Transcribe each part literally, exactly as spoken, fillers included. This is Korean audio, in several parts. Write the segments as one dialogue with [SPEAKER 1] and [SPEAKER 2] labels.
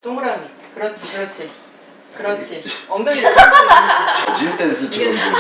[SPEAKER 1] 동그라미. 그렇지, 그렇지. 그렇지. 엉덩이
[SPEAKER 2] 저질 댄스처럼 보이네.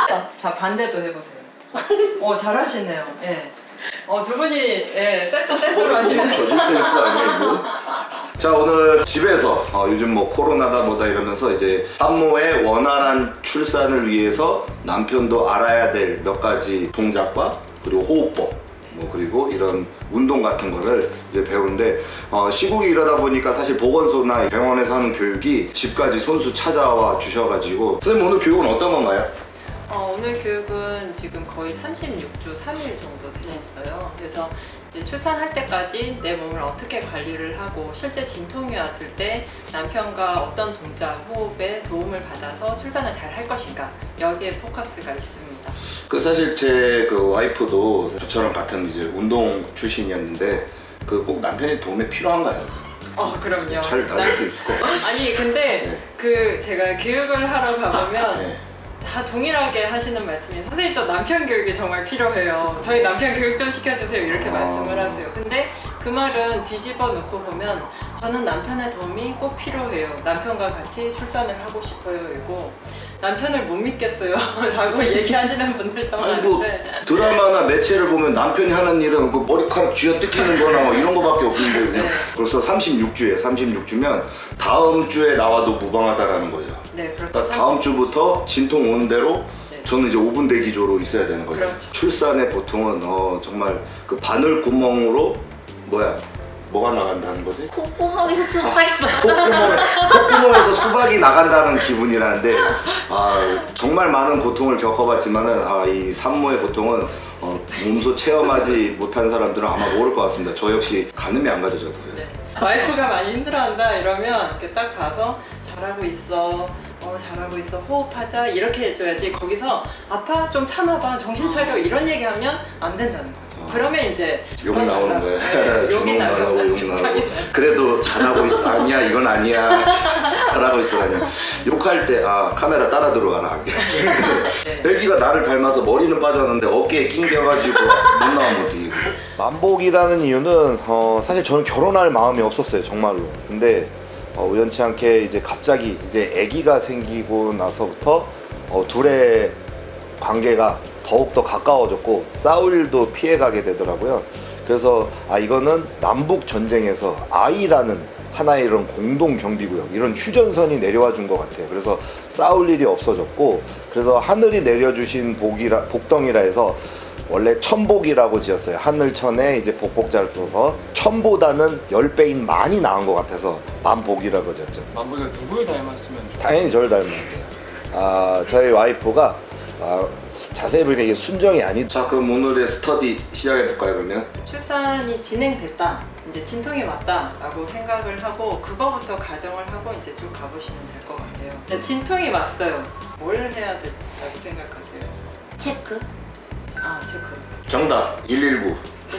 [SPEAKER 1] 자, 반대도 해보세요. 어, 잘하시네요. 예. 어, 두 분이 예, 세트 세트로 하시면.
[SPEAKER 2] 저질 댄스 아니야 이거? 자, 오늘 집에서 어, 요즘 뭐 코로나다 뭐다 이러면서 이제 산모의 원활한 출산을 위해서 남편도 알아야 될 몇 가지 동작과 그리고 호흡법 뭐 그리고 이런 운동 같은 거를 이제 배우는데 어, 시국이 이러다 보니까 사실 보건소나 병원에서 하는 교육이 집까지 손수 찾아와 주셔가지고 선생님 오늘 교육은 어떤 건가요?
[SPEAKER 1] 어, 오늘 교육은 지금 거의 삼십육 주 삼 일 정도 되셨어요. 그래서 이제 출산할 때까지 내 몸을 어떻게 관리를 하고 실제 진통이 왔을 때 남편과 어떤 동작, 호흡에 도움을 받아서 출산을 잘 할 것인가 여기에 포커스가 있습니다.
[SPEAKER 2] 그 사실 제 그 와이프도 저처럼 같은 이제 운동 출신이었는데 그 꼭 남편의 도움이 필요한가요?
[SPEAKER 1] 어, 그럼요.
[SPEAKER 2] 잘 나올 수 있을 것 같아요.
[SPEAKER 1] 아니 근데
[SPEAKER 2] 네.
[SPEAKER 1] 그 제가 교육을 하러 가보면
[SPEAKER 2] 네.
[SPEAKER 1] 다 동일하게 하시는 말씀이 선생님 저 남편 교육이 정말 필요해요. 저희 남편 교육 좀 시켜주세요. 이렇게
[SPEAKER 2] 아.
[SPEAKER 1] 말씀을 하세요. 근데 그 말은 뒤집어 놓고 보면 저는 남편의 도움이 꼭 필요해요. 남편과 같이 출산을 하고 싶어요. 이고 남편을 못 믿겠어요. 라고 얘기하시는 분들도
[SPEAKER 2] 아니 뭐
[SPEAKER 1] 많은데
[SPEAKER 2] 드라마나 매체를 보면 남편이 하는 일은 그 머리카락 쥐어뜯기는 거나 뭐 이런 거밖에 없는데 그냥
[SPEAKER 1] 네.
[SPEAKER 2] 벌써 삼십육 주에 삼십육 주면 다음 주에 나와도 무방하다라는 거죠.
[SPEAKER 1] 네, 그렇죠.
[SPEAKER 2] 그러니까 다음 주부터 진통 오는 대로
[SPEAKER 1] 네.
[SPEAKER 2] 저는 이제 오 분 대기조로 있어야 되는 거죠.
[SPEAKER 1] 그렇죠.
[SPEAKER 2] 출산에 보통은 어, 정말 그 바늘 구멍으로 뭐야 뭐가 나간다는 거지?
[SPEAKER 3] 콧구멍에서 수박이 나.
[SPEAKER 2] 콧구멍에, 콧구멍에서 수박이 나간다는 기분이라는데 아, 정말 많은 고통을 겪어봤지만은 아, 이 산모의 고통은 어, 몸소 체험하지 못한 사람들은 아마 모를 것 같습니다. 저 역시 가늠이 안 가죠 저도.
[SPEAKER 1] 네. 와이프가 많이 힘들어한다 이러면 이렇게 딱 봐서 잘하고 있어. 어, 잘하고 있어. 호흡하자. 이렇게 해줘야지. 거기서 아파? 좀 참아봐. 정신 차려. 이런 얘기하면 안 된다는 거죠. 그러면 이제
[SPEAKER 2] 욕 나오는 거예요.
[SPEAKER 1] 네, 욕이
[SPEAKER 2] 주먹 나가고
[SPEAKER 1] 나면
[SPEAKER 2] 욕 나오고. 그래도 잘하고 있어. 아니야 이건 아니야. 잘하고 있어 아니야. 욕할 때 아 카메라 따라 들어가라.
[SPEAKER 1] 네.
[SPEAKER 2] 애기가 나를 닮아서 머리는 빠졌는데 어깨에 낑겨가지고 못 나오면 어떻게. 만복이라는 이유는 어, 사실 저는 결혼할 마음이 없었어요 정말로. 근데 어, 우연치 않게 이제 갑자기 이제 아기가 생기고 나서부터 어, 둘의 관계가 더욱더 가까워졌고 싸울 일도 피해가게 되더라고요. 그래서 아 이거는 남북 전쟁에서 아이라는 하나의 이런 공동 경비구역 이런 휴전선이 내려와 준 것 같아요. 그래서 싸울 일이 없어졌고 그래서 하늘이 내려주신 복이라 복덩이라 해서 원래 천복이라고 지었어요. 하늘천에 이제 복복자를 써서 천보다는 십 배인 많이 나은 것 같아서 만복이라고 지었죠.
[SPEAKER 4] 만보가 누구를 닮았으면 좋겠어요?
[SPEAKER 2] 당연히 저를 닮았대요. 아 저희 와이프가 아, 자세히 보니까 이게 순정이 아니. 자 그럼 오늘의 스터디 시작해 볼까요 그러면?
[SPEAKER 1] 출산이 진행됐다. 이제 진통이 왔다라고 생각을 하고 그거부터 가정을 하고 이제 쭉 가보시면 될 것 같아요. 네, 진통이 왔어요. 뭘 해야 된다고 생각하세요?
[SPEAKER 3] 체크?
[SPEAKER 1] 아, 체크.
[SPEAKER 2] 정답 일일구.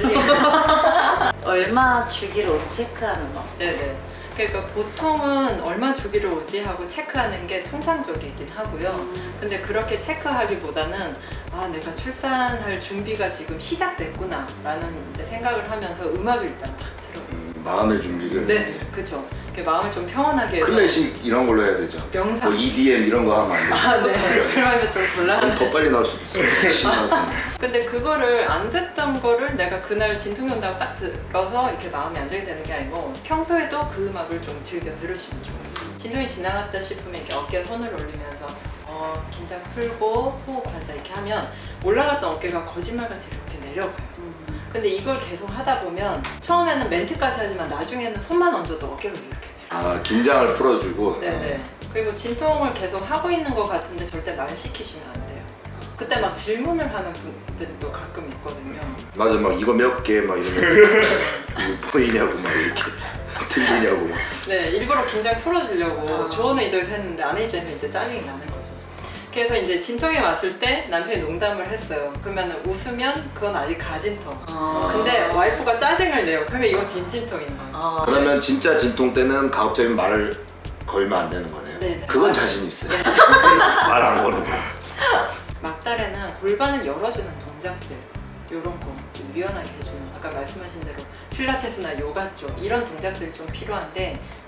[SPEAKER 3] 얼마 주기로 체크하는 거?
[SPEAKER 1] 네네. 그러니까 보통은 얼마 주기로 오지 하고 체크하는 게 통상적이긴 하고요. 근데 그렇게 체크하기보다는 아 내가 출산할 준비가 지금 시작됐구나 라는 이제 생각을 하면서 음악을 일단 탁 틀어요.
[SPEAKER 2] 음, 마음의 준비를.
[SPEAKER 1] 네,
[SPEAKER 2] 이제.
[SPEAKER 1] 그쵸. 마음을 좀 평온하게 해서
[SPEAKER 2] 클래식 이런 걸로 해야 되죠.
[SPEAKER 1] 명상.
[SPEAKER 2] 뭐 이디엠 이런 거 하면 안 돼요.
[SPEAKER 1] 아, 네. 그러면 좀
[SPEAKER 2] 그럼
[SPEAKER 1] 곤란한데.
[SPEAKER 2] 더 빨리 나올 수도 있어요. 신나서.
[SPEAKER 1] 근데 그거를 안 듣던 거를 내가 그날 진통이 온다고 딱 들어서 이렇게 마음이 안정이 되는 게 아니고 평소에도 그 음악을 좀 즐겨 들으시면 좋아요. 진통이 지나갔다 싶으면 이렇게 어깨에 손을 올리면서 어, 긴장 풀고 호흡하자 이렇게 하면 올라갔던 어깨가 거짓말같이 이렇게 내려가요. 근데 이걸 계속 하다 보면 처음에는 멘트까지 하지만 나중에는 손만 얹어도 어깨가 이렇게 내려요.
[SPEAKER 2] 아 긴장을 풀어주고.
[SPEAKER 1] 네네. 그리고 진통을 계속 하고 있는 것 같은데 절대 말 시키시면 안 돼요. 그때 막 질문을 하는 분들도 가끔 있거든요.
[SPEAKER 2] 맞아 막 이거 몇 개 막 이러면 이거 보이냐고 막 이렇게 들리냐고 막.
[SPEAKER 1] 네, 일부러 긴장 풀어주려고
[SPEAKER 3] 아.
[SPEAKER 1] 좋은 의도에서 했는데 안 해주면 이제 짜증이 나는 거죠. 그래서 이제 진통이 왔을 때 남편이 농담을 했어요. 그러면 웃으면 그건 아직 가진통.
[SPEAKER 3] 아.
[SPEAKER 1] 근데 와이프가 짜증을 내요. 그러면 이건 진진통인 거예요.
[SPEAKER 3] 아.
[SPEAKER 2] 그러면 진짜 진통 때는 가급적이면 말을 걸면 안 되는 거네요.
[SPEAKER 1] 네네.
[SPEAKER 2] 그건 자신 있어요. 말 안 거는 거.
[SPEAKER 1] 막달에는 골반을 열어주는 동작들 이런 거 좀 유연하게 해주는 아까 말씀하신 대로 필라테스나 요가 쪽 이런 동작들이 좀 필요한데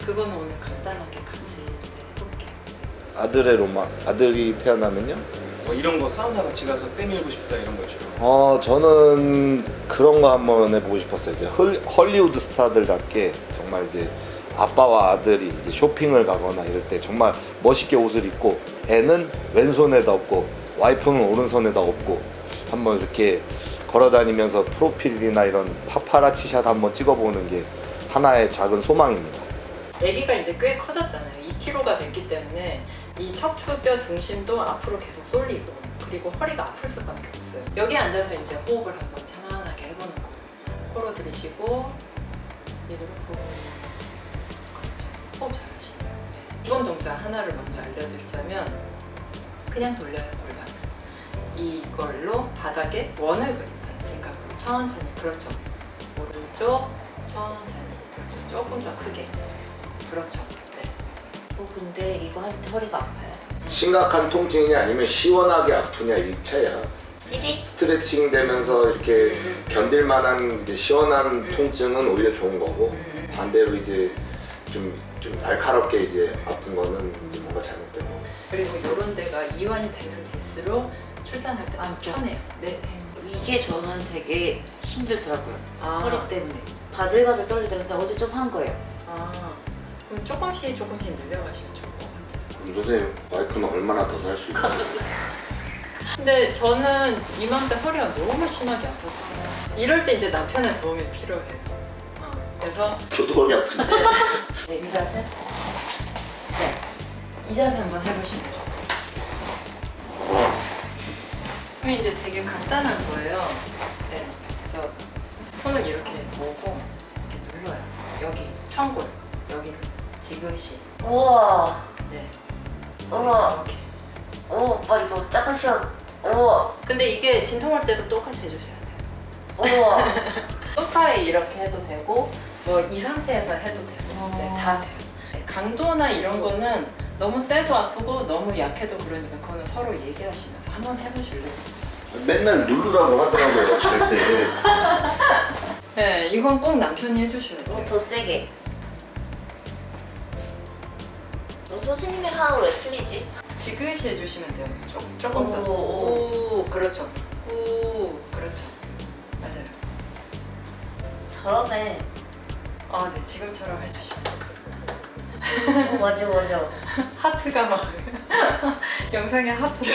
[SPEAKER 1] 그거는 오늘 간단하게 같이 이제 해볼게요.
[SPEAKER 2] 아들의 로망. 아들이 태어나면요?
[SPEAKER 4] 뭐 이런 거 사우나 같이 가서 때밀고 싶다 이런 거죠.
[SPEAKER 2] 어 저는 그런 거 한번 해보고 싶었어요. 이제 헐, 헐리우드 스타들답게 정말 이제 아빠와 아들이 이제 쇼핑을 가거나 이럴 때 정말 멋있게 옷을 입고 애는 왼손에다 업고 와이프는 오른손에다 업고 한번 이렇게 걸어다니면서 프로필이나 이런 파파라치 샷 한번 찍어보는 게 하나의 작은 소망입니다.
[SPEAKER 1] 아기가 이제 꽤 커졌잖아요. 이 킬로그램가 됐기 때문에 이 척추뼈 중심도 앞으로 계속 쏠리고 그리고 허리가 아플 수밖에 없어요. 여기 앉아서 이제 호흡을 한번 편안하게 해보는 거예요. 코로 들이쉬고 입으로 호흡. 그렇죠. 호흡 잘하시네요. 네. 기본 동작 하나를 먼저 알려드리자면 그냥 돌려요 골반. 이걸로 바닥에 원을 그린다는 생각으로 천천히. 그렇죠. 오른쪽 천천히. 그렇죠. 조금 더 크게. 그렇죠. 네.
[SPEAKER 3] 어, 근데 이거 할 때 허리가 아파요.
[SPEAKER 2] 심각한 통증이냐 아니면 시원하게 아프냐 이 차이야.
[SPEAKER 3] 찌릿.
[SPEAKER 2] 스트레칭 되면서 이렇게 견딜 만한 이제 시원한 통증은 오히려 좋은 거고 반대로 이제 좀, 좀 날카롭게 이제 아픈 거는 이제 뭔가 잘못된 거고.
[SPEAKER 1] 그리고 이런 데가 이완이 되면 될수록 출산할 때 좀
[SPEAKER 3] 안쪽.
[SPEAKER 1] 편해요. 네.
[SPEAKER 3] 이게 저는 되게 힘들더라고요.
[SPEAKER 1] 아.
[SPEAKER 3] 허리 때문에. 바들바들 떨리더라고요. 근데 어제 좀 한 거예요.
[SPEAKER 1] 아, 그럼 조금씩 조금씩 늘려가시면 좋을 것 같아요.
[SPEAKER 2] 그럼 선생님 와이프는 얼마나 더 살 수 있나요?
[SPEAKER 1] 근데 저는 이맘때 허리가 너무 심하게 아파서 이럴 때 이제 남편의 도움이 필요해요. 어, 그래서
[SPEAKER 2] 저도 허리 아픈데.
[SPEAKER 3] 네, 이 자세? 네.
[SPEAKER 1] 이 자세 한번 해보시면 좋아요. 그럼 이제 되게 간단한 거예요. 네, 그래서 손을 이렇게 모으고 이렇게 눌러요. 여기 청골, 여기 지그시.
[SPEAKER 3] 우와.
[SPEAKER 1] 네.
[SPEAKER 3] 우와.
[SPEAKER 1] 이렇게.
[SPEAKER 3] 오, 오빠 이거 작은 시험. 우와.
[SPEAKER 1] 근데 이게 진통할 때도 똑같이 해주셔야 돼요.
[SPEAKER 3] 우와.
[SPEAKER 1] 소파에 이렇게 해도 되고 뭐 이 상태에서 해도 되고 네, 다 돼요. 네, 강도나 이런 거는 너무 세도 아프고 너무 약해도 그러니까 그거는 서로 얘기하시면서 한번 해보실래요?
[SPEAKER 2] 맨날 누르라고 하더라고요 잘 때.
[SPEAKER 1] 네, 이건 꼭 남편이 해주셔야 돼요.
[SPEAKER 3] 어, 더 세게. 너 소신님의 하하고 왜 틀리지?
[SPEAKER 1] 지그시 해주시면 돼요. 조, 조금 더.
[SPEAKER 3] 오.
[SPEAKER 1] 오, 그렇죠. 오, 그렇죠. 맞아요.
[SPEAKER 3] 잘하네.
[SPEAKER 1] 아, 네, 지금처럼 해주시면 돼요.
[SPEAKER 3] 어, 맞아, 맞아.
[SPEAKER 1] 하트가 막 영상에 하트를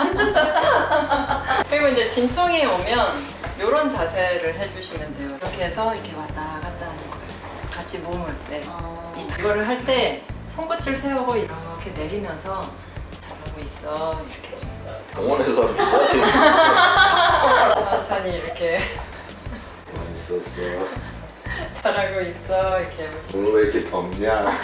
[SPEAKER 1] 그리고 이제 진통이 오면 이런 자세를 해주시면 돼요. 이렇게 해서 이렇게 왔다 갔다 하는 거예요. 같이 몸을 네.
[SPEAKER 3] 어.
[SPEAKER 1] 이- 이거를 할 때 손끝을 세우고 이렇게 내리면서 잘하고 있어 이렇게 좀
[SPEAKER 2] 병원에서 하면 써야 되는 거
[SPEAKER 1] 천천히 이렇게
[SPEAKER 2] 있었어.
[SPEAKER 1] 잘하고 있어 이렇게 해보시면
[SPEAKER 2] 오늘 왜 이렇게 덥냐?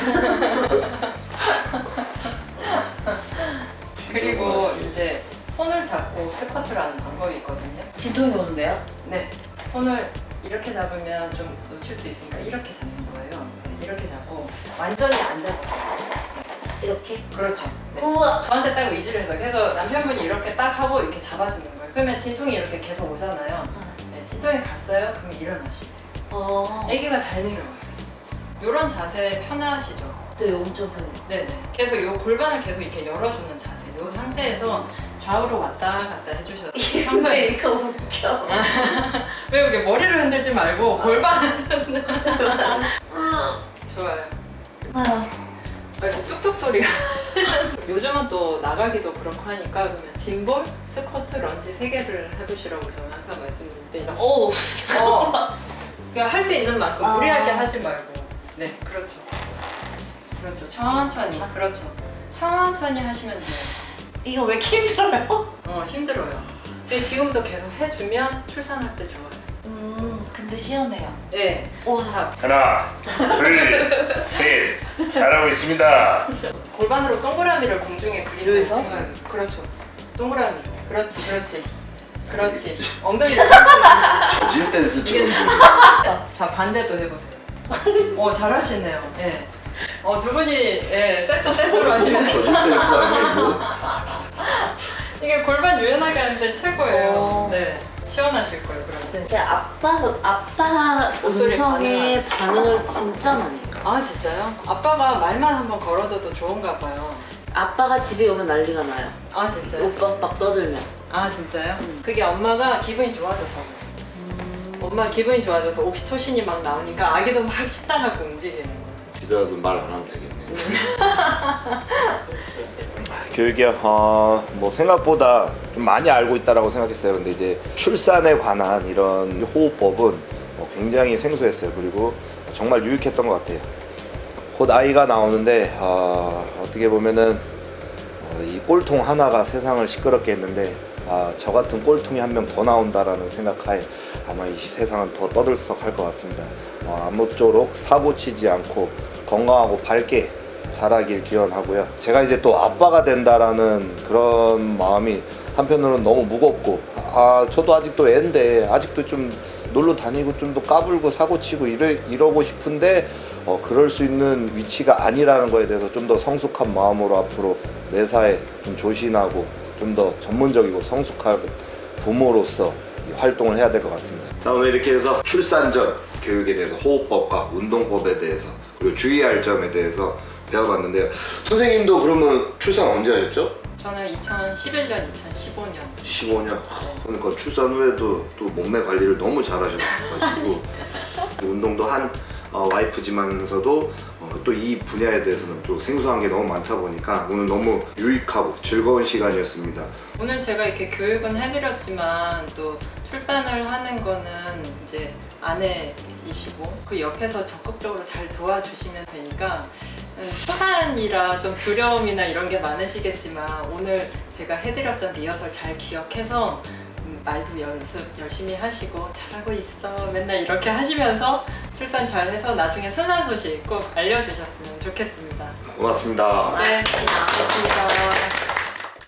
[SPEAKER 1] 그리고 이제 손을 잡고 스쿼트를 하는 방법이 있거든요.
[SPEAKER 3] 진통이 오는데요?
[SPEAKER 1] 네, 손을 이렇게 잡으면 좀 놓칠 수 있으니까 이렇게 잡는 거예요. 네, 이렇게 잡고 완전히 안 잡았어요.
[SPEAKER 3] 이렇게?
[SPEAKER 1] 그렇죠. 네.
[SPEAKER 3] 우와.
[SPEAKER 1] 저한테 딱 의지를 해서 그래서 남편분이 이렇게 딱 하고 이렇게 잡아주는 거예요. 그러면 진통이 이렇게 계속 오잖아요. 네, 진통이 갔어요? 그럼 일어나시면 돼요.
[SPEAKER 3] 어.
[SPEAKER 1] 아기가 잘 내려와요. 이런 자세 편하시죠?
[SPEAKER 3] 네, 엄청 편해.
[SPEAKER 1] 네네. 계속 이 골반을 계속 이렇게 열어주는 자세. 이 상태에서 좌우로 왔다 갔다 해주셔도
[SPEAKER 3] 근데
[SPEAKER 1] 평소에
[SPEAKER 3] 이거 웃겨.
[SPEAKER 1] 왜 이렇게 머리를 흔들지 말고 골반을 흔들. 좋아요.
[SPEAKER 3] 아유.
[SPEAKER 1] 아이고 뚝뚝 소리가. 요즘은 또 나가기도 그렇고 하니까 그러면 짐볼, 스쿼트, 런지 세 개를 해보시라고 저는 항상 말씀드릴 때.
[SPEAKER 3] 오.
[SPEAKER 1] 어. 그러니까 할 수 있는 만큼
[SPEAKER 3] 아.
[SPEAKER 1] 무리하게 하지 말고. 네, 그렇죠. 그렇죠. 천천히. 그렇죠. 천천히 하시면 돼요.
[SPEAKER 3] 이거 왜 이렇게 힘들어요?
[SPEAKER 1] 어, 힘들어요. 근데 지금도 계속 해주면 출산할 때 좋아요.
[SPEAKER 3] 음, 근데 시원해요.
[SPEAKER 1] 네.
[SPEAKER 3] 와.
[SPEAKER 1] 자,
[SPEAKER 5] 하나, 둘, 셋. 잘하고 있습니다.
[SPEAKER 1] 골반으로 동그라미를 공중에 그리는
[SPEAKER 3] 여기서?
[SPEAKER 1] 생각은 그렇죠. 동그라미. 그렇지, 그렇지. 그렇지. 엉덩이를 펴고
[SPEAKER 2] 저질 댄스처럼
[SPEAKER 1] 이게-
[SPEAKER 2] 보여.
[SPEAKER 1] 자, 반대도 해보세요. 어, 잘하시네요. 예. 어, 두 분이 예, 세트 세트로 하시면
[SPEAKER 2] 저질 댄스 아니야 이거?
[SPEAKER 1] 이게 골반 유연하게 하는데 최고예요.
[SPEAKER 3] 어.
[SPEAKER 1] 네. 시원하실 거예요, 그러면.
[SPEAKER 3] 근데 아빠, 아빠
[SPEAKER 1] 목소리
[SPEAKER 3] 음성에 반응을 진짜 많이 해요.
[SPEAKER 1] 아 진짜요? 아빠가 말만 한번 걸어줘도 좋은가 봐요.
[SPEAKER 3] 아빠가 집에 오면 난리가 나요.
[SPEAKER 1] 아 진짜요?
[SPEAKER 3] 오빠 막 떠들면.
[SPEAKER 1] 아 진짜요?
[SPEAKER 3] 음.
[SPEAKER 1] 그게 엄마가 기분이 좋아져서 엄마 기분이 좋아져서 옥시토신이 막 나오니까 아기도 막 식당하고 움직이는 거예요.
[SPEAKER 2] 집에 와서 말 안 하면 되겠네. 교육이 어, 뭐 생각보다 좀 많이 알고 있다라고 생각했어요. 근데 이제 출산에 관한 이런 호흡법은 어, 굉장히 생소했어요. 그리고 정말 유익했던 것 같아요. 곧 아이가 나오는데 어, 어떻게 보면은 어, 이 꼴통 하나가 세상을 시끄럽게 했는데 아, 저 같은 꼴통이 한 명 더 나온다라는 생각하에 아마 이 세상은 더 떠들썩할 것 같습니다. 어, 아무쪼록 사고 치지 않고 건강하고 밝게 자라길 기원하고요. 제가 이제 또 아빠가 된다라는 그런 마음이 한편으로는 너무 무겁고 아 저도 아직도 애인데 아직도 좀 놀러 다니고 좀 더 까불고 사고치고 이러, 이러고 싶은데 어, 그럴 수 있는 위치가 아니라는 거에 대해서 좀 더 성숙한 마음으로 앞으로 매사에 좀 조신하고 좀 더 전문적이고 성숙한 부모로서 이 활동을 해야 될 것 같습니다. 자, 오늘 이렇게 해서 출산 전 교육에 대해서 호흡법과 운동법에 대해서 그리고 주의할 점에 대해서 배워봤는데요. 선생님도 그러면 출산 언제 하셨죠?
[SPEAKER 1] 저는 이천십일 년, 이천십오 년.
[SPEAKER 2] 십오 년. 그러니까 출산 후에도 또 몸매 관리를 너무 잘하셔가지고 운동도 한 어, 와이프지만서도 어, 또 이 분야에 대해서는 또 생소한 게 너무 많다 보니까 오늘 너무 유익하고 즐거운 시간이었습니다.
[SPEAKER 1] 오늘 제가 이렇게 교육은 해드렸지만 또 출산을 하는 거는 이제 아내이시고 그 옆에서 적극적으로 잘 도와주시면 되니까 음, 초반이라 좀 두려움이나 이런 게 많으시겠지만 오늘 제가 해드렸던 리허설 잘 기억해서 음, 말도 연습 열심히 하시고 잘하고 있어 맨날 이렇게 하시면서 출산 잘해서 나중에 순한 소식 꼭 알려주셨으면 좋겠습니다.
[SPEAKER 2] 고맙습니다.
[SPEAKER 1] 네, 고맙습니다.